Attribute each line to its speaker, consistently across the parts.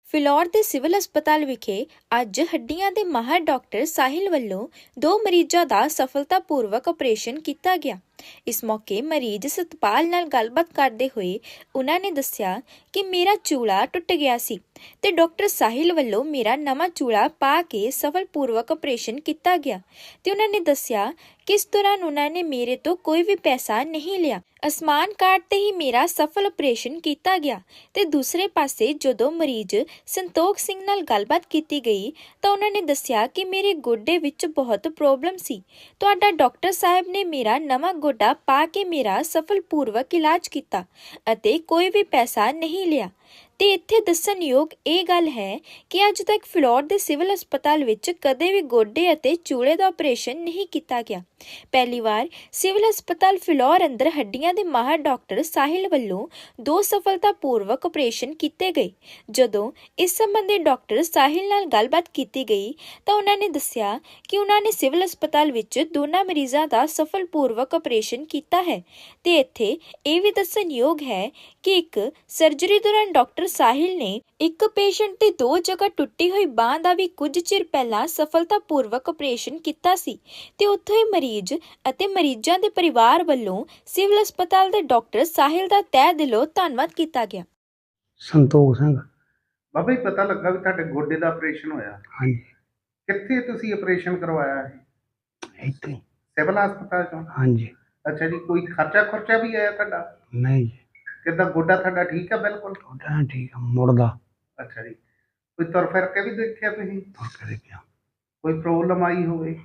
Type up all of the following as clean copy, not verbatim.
Speaker 1: ਫਿਲੌਰ ਦੇ ਸਿਵਲ ਹਸਪਤਾਲ ਵਿਖੇ ਅੱਜ ਹੱਡੀਆਂ ਦੇ ਮਾਹਰ ਡਾਕਟਰ ਸਾਹਿਲ ਵੱਲੋਂ 2 ਮਰੀਜ਼ਾਂ ਦਾ ਸਫਲਤਾਪੂਰਵਕ ਆਪਰੇਸ਼ਨ ਕੀਤਾ ਗਿਆ। ਇਸ ਮੌਕੇ ਮਰੀਜ਼ ਸਤਪਾਲ ਨਾਲ ਗੱਲਬਾਤ ਕਰਦੇ ਹੋਏ ਉਹਨਾਂ ਨੇ ਦੱਸਿਆ ਕਿ ਮੇਰਾ ਚੂਲਾ ਟੁੱਟ ਗਿਆ ਸੀ ਤੇ ਡਾਕਟਰ ਸਾਹਿਲ ਵੱਲੋਂ ਮੇਰਾ ਨਵਾਂ ਚੂਲਾ ਪਾ ਕੇ ਸਫਲਪੂਰਵਕ ਆਪਰੇਸ਼ਨ ਕੀਤਾ ਗਿਆ ਤੇ ਉਹਨਾਂ ਨੇ ਦੱਸਿਆ ਕਿ ਇਸ ਦੌਰਾਨ ਉਹਨਾਂ ਨੇ ਮੇਰੇ ਤੋਂ ਕੋਈ ਵੀ ਪੈਸਾ ਨਹੀਂ ਲਿਆ। ਆਯੁਸ਼ਮਾਨ ਕਾਰਡ ਤੇ ਹੀ ਮੇਰਾ ਸਫਲ ਆਪਰੇਸ਼ਨ ਕੀਤਾ ਗਿਆ ਤੇ ਦੂਸਰੇ ਪਾਸੇ ਜਦੋਂ ਮਰੀਜ਼ ਸੰਤੋਖ ਸਿੰਘ ਨਾਲ ਗੱਲਬਾਤ ਕੀਤੀ ਗਈ ਤਾਂ ਉਹਨਾਂ ਨੇ ਦੱਸਿਆ ਕਿ ਮੇਰੇ ਗੋਡੇ ਵਿੱਚ ਬਹੁਤ ਪ੍ਰੋਬਲਮ ਸੀ। ਤੁਹਾਡਾ ਡਾਕਟਰ ਸਾਹਿਬ ਨੇ ਮੇਰਾ ਨਵਾਂ ਗੋਡਾ ਪਾ ਕੇ ਮੇਰਾ ਸਫਲਪੂਰਵਕ ਇਲਾਜ ਕੀਤਾ ਅਤੇ ਕੋਈ ਵੀ ਪੈਸਾ ਨਹੀਂ ਲਿਆ। ਤੇ ਇੱਥੇ ਦੱਸਣਯੋਗ ਇਹ ਗੱਲ ਹੈ ਕਿ ਅੱਜ ਤੱਕ ਫਿਲੌਰ ਦੇ ਸਿਵਲ ਹਸਪਤਾਲ ਵਿੱਚ ਕਦੇ ਵੀ ਗੋਡੇ ਅਤੇ ਚੂਲੇ ਦਾ ਆਪਰੇਸ਼ਨ ਨਹੀਂ ਕੀਤਾ ਗਿਆ। ਪਹਿਲੀ ਵਾਰ ਸਿਵਲ ਹਸਪਤਾਲ ਫਿਲੌਰ ਅੰਦਰ ਹੱਡੀਆਂ ਦੇ ਮਾਹਰ ਡਾਕਟਰ ਸਾਹਿਲ ਵੱਲੋਂ 2 ਸਫਲਤਾਪੂਰਵਕ ਆਪਰੇਸ਼ਨ ਕੀਤੇ ਗਏ। ਜਦੋਂ ਇਸ ਸੰਬੰਧੀ ਡਾਕਟਰ ਸਾਹਿਲ ਨਾਲ ਗੱਲਬਾਤ ਕੀਤੀ ਗਈ ਤਾਂ ਉਹਨਾਂ ਨੇ ਦੱਸਿਆ ਕਿ ਉਹਨਾਂ ਨੇ ਸਿਵਲ ਹਸਪਤਾਲ ਵਿੱਚ ਦੋਨਾਂ ਮਰੀਜ਼ਾਂ ਦਾ ਸਫਲਪੂਰਵਕ ਆਪਰੇਸ਼ਨ ਕੀਤਾ ਹੈ ਤੇ ਇੱਥੇ ਇਹ ਵੀ ਦੱਸਣਯੋਗ ਹੈ ਕਿ ਇੱਕ ਸਰਜਰੀ ਦੌਰਾਨ ਡਾਕਟਰ ਸਾਹਿਲ ਨੇ ਇੱਕ ਪੇਸ਼ੈਂਟ ਦੀ 2 ਜਗ੍ਹਾ ਟੁੱਟੀ ਹੋਈ ਬਾਂਹ ਦਾ ਵੀ ਕੁਝ ਚਿਰ ਪਹਿਲਾਂ ਸਫਲਤਾਪੂਰਵਕ ਆਪਰੇਸ਼ਨ ਕੀਤਾ ਸੀ ਤੇ ਉੱਥੋਂ ਹੀ ਮਰੀਜ਼ ਅਤੇ ਮਰੀਜ਼ਾਂ ਦੇ ਪਰਿਵਾਰ ਵੱਲੋਂ ਸਿਵਲ ਹਸਪਤਾਲ ਦੇ ਡਾਕਟਰ ਸਾਹਿਲ ਦਾ ਤਹਿ ਦਿਲੋਂ ਧੰਨਵਾਦ ਕੀਤਾ ਗਿਆ।
Speaker 2: ਸੰਤੋਖ ਸਿੰਘ।
Speaker 3: ਬਾਬਾ ਜੀ ਪਤਾ ਲੱਗਾ ਵੀ ਤੁਹਾਡੇ ਗੋਡੇ ਦਾ ਆਪਰੇਸ਼ਨ ਹੋਇਆ।
Speaker 2: ਹਾਂਜੀ,
Speaker 3: ਕਿੱਥੇ ਤੁਸੀਂ ਆਪਰੇਸ਼ਨ ਕਰਵਾਇਆ ਹੈ?
Speaker 2: ਇੱਥੇ।
Speaker 3: ਸਿਵਲ ਹਸਪਤਾਲ ਚੋਂ?
Speaker 2: ਹਾਂਜੀ।
Speaker 3: ਅੱਛਾ ਜੀ, ਕੋਈ ਖਰਚਾ ਵੀ ਆਇਆ ਤੁਹਾਡਾ?
Speaker 2: ਨਹੀਂ ਜੀ,
Speaker 3: ਕਿੱਦਾਂ ਗੋਡਾ ਤੁਹਾਡਾ ਠੀਕ ਹੈ? ਬਿਲਕੁਲ
Speaker 2: ਤੁਹਾਡਾ ਠੀਕ ਆ, ਮੁੜਦਾ
Speaker 3: ਅੱਛਾ ਜੀ। ਕੋਈ ਤੁਰ ਫਿਰ ਕੇ ਵੀ ਦੇਖਿਆ ਤੁਸੀਂ?
Speaker 2: ਤੁਰ ਕੇ ਗਿਆ।
Speaker 3: ਕੋਈ ਪ੍ਰੋਬਲਮ ਆਈ ਹੋਵੇ?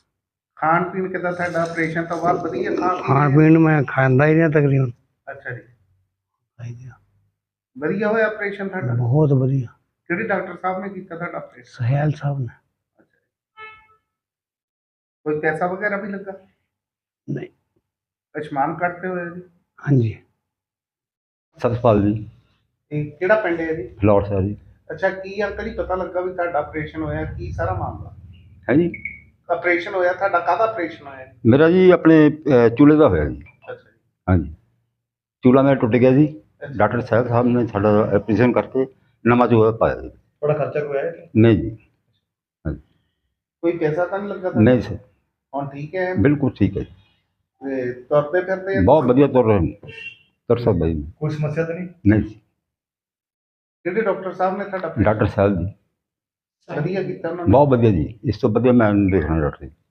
Speaker 3: ਖਾਣ ਪੀਣ ਕਿੱਦਾਂ ਤੁਹਾਡਾ ਆਪਰੇਸ਼ਨ ਤੋਂ ਬਾਅਦ? ਵਧੀਆ
Speaker 2: ਖਾਣ ਪੀਣ ਮੈਂ ਖਾਂਦਾ ਹੀ ਨਹੀਂ ਤਕਰੀਬਨ।
Speaker 3: ਅੱਛਾ ਜੀ,
Speaker 2: ਹਾਂਜੀ,
Speaker 3: ਵਧੀਆ ਹੋਇਆ ਆਪਰੇਸ਼ਨ ਤੁਹਾਡਾ?
Speaker 2: ਬਹੁਤ ਵਧੀਆ।
Speaker 3: ਕਿਹੜੇ ਡਾਕਟਰ ਸਾਹਿਬ ਨੇ ਕੀਤਾ ਤੁਹਾਡਾ ਆਪਰੇਸ਼ਨ?
Speaker 2: ਸਹਿਲ ਸਾਹਿਬ ਨੇ।
Speaker 3: ਕੋਈ ਪੈਸਾ ਵਗੈਰਾ ਵੀ ਲੱਗਾ?
Speaker 2: ਨਹੀਂ।
Speaker 3: ਆਯੁਸ਼ਮਾਨ ਕਾਰਡ ਤੇ ਹੋਇਆ ਜੀ?
Speaker 2: ਹਾਂਜੀ।
Speaker 4: ਸਤਪਾਲ ਜੀ,
Speaker 3: ਇਹ ਕਿਹੜਾ ਪਿੰਡ ਹੈ ਜੀ?
Speaker 4: ਫਿਲੌਰ ਸਾਹਿਬ ਜੀ।
Speaker 3: ਅੱਛਾ, ਕੀ ਅੰਕਲ ਜੀ ਪਤਾ ਲੱਗਾ ਵੀ ਤੁਹਾਡਾ ਆਪਰੇਸ਼ਨ ਹੋਇਆ? ਕੀ ਸਾਰਾ ਮਾਮਲਾ?
Speaker 4: ਹੈ ਜੀ,
Speaker 3: ਆਪਰੇਸ਼ਨ ਹੋਇਆ ਤੁਹਾਡਾ? ਕਾਹਦਾ ਆਪਰੇਸ਼ਨ ਹੋਇਆ ਜੀ?
Speaker 4: ਮੇਰਾ ਜੀ ਆਪਣੇ ਚੂਲੇ ਦਾ ਹੋਇਆ ਜੀ।
Speaker 3: ਅੱਛਾ ਜੀ।
Speaker 4: ਹਾਂਜੀ, ਚੂਲਾ ਮੇਰਾ ਟੁੱਟ ਗਿਆ ਜੀ। ਡਾਕਟਰ ਸਾਹਿਬ ਨੇ ਸਾਡਾ ਆਪਰੇਸ਼ਨ ਕਰਕੇ ਨਵਾਂ ਚੂਲਾ ਪਾਇਆ ਜੀ।
Speaker 3: ਥੋੜਾ ਖਰਚਾ ਕੋਈ ਆਇਆ?
Speaker 4: ਨਹੀਂ ਜੀ।
Speaker 3: ਕੋਈ ਪੈਸਾ ਤਾਂ ਨਹੀਂ ਲੱਗਾ?
Speaker 4: ਨਹੀਂ ਸਰ,
Speaker 3: ਹੁਣ ਠੀਕ ਹੈ?
Speaker 4: ਬਿਲਕੁਲ ਠੀਕ ਹੈ ਜੀ।
Speaker 3: ਤੇ ਤੁਰਦੇ ਫਿਰਦੇ?
Speaker 4: ਬਹੁਤ ਵਧੀਆ ਤੁਰ ਰਹੇ ਨੇ, ਤੁਰ ਸਕਦਾ ਜੀ।
Speaker 3: ਕੋਈ ਸਮੱਸਿਆ ਤਾਂ ਨਹੀਂ?
Speaker 4: ਨਹੀਂ ਜੀ।
Speaker 3: ਕਿਹੜੇ ਡਾਕਟਰ ਸਾਹਿਬ ਨੇ ਤੁਹਾਡਾ
Speaker 4: ਡਾਕਟਰ ਸਾਹਿਬ ਜੀ
Speaker 3: ਵਧੀਆ ਕੀਤਾ ਉਹਨਾਂ ਨੇ?
Speaker 4: ਬਹੁਤ ਵਧੀਆ ਜੀ, ਇਸ ਤੋਂ ਵਧੀਆ ਮੈਂ ਨਹੀਂ ਦੇਖਣਾ ਡਾਕਟਰ ਜੀ।